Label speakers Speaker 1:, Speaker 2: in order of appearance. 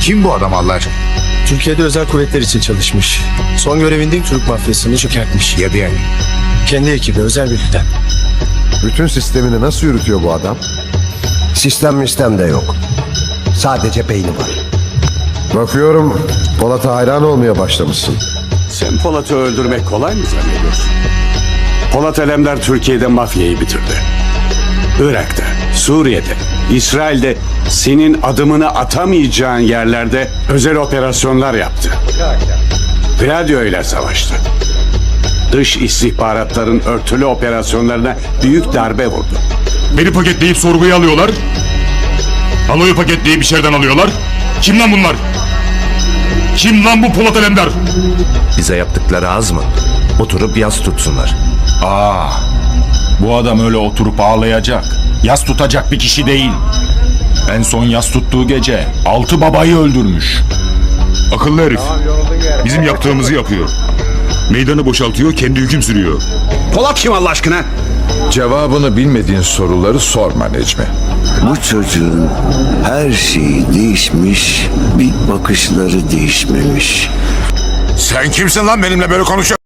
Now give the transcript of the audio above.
Speaker 1: Kim bu adam Allah aşkına?
Speaker 2: Türkiye'de özel kuvvetler için çalışmış. Son görevinde Türk mafyasını çökertmiş.
Speaker 1: Ya diyen.
Speaker 2: Kendi ekibi özel birlikten.
Speaker 3: Bütün sistemini nasıl yürütüyor bu adam?
Speaker 4: Sistem de yok. Sadece beyni var.
Speaker 3: Bakıyorum Polat'a hayran olmaya başlamışsın.
Speaker 5: Sen Polat'ı öldürmek kolay mı zannediyorsun? Polat Alemdar Türkiye'de mafyayı bitirdi. Irak'ta, Suriye'de, İsrail'de senin adımını atamayacağın yerlerde özel operasyonlar yaptı. Gladio ile savaştı. Dış istihbaratların örtülü operasyonlarına büyük darbe vurdu.
Speaker 6: Beni paketleyip sorguya alıyorlar. Aloyu paketleyip içeriden alıyorlar. Kim lan bunlar? Kim lan bu Polat Alemdar?
Speaker 7: Bize yaptıkları az mı? Oturup yas tutsunlar.
Speaker 6: Bu adam öyle oturup ağlayacak, yas tutacak bir kişi değil. En son yas tuttuğu gece 6 babayı öldürmüş.
Speaker 8: Akıllı herif. Bizim yaptığımızı yapıyor. Meydanı boşaltıyor, kendi hüküm sürüyor.
Speaker 5: Polat kim Allah aşkına?
Speaker 9: Cevabını bilmediğin soruları sorma Necmi.
Speaker 10: Bu çocuğun her şeyi değişmiş, bir bakışları değişmemiş.
Speaker 1: Sen kimsin lan benimle böyle konuşuyorsun?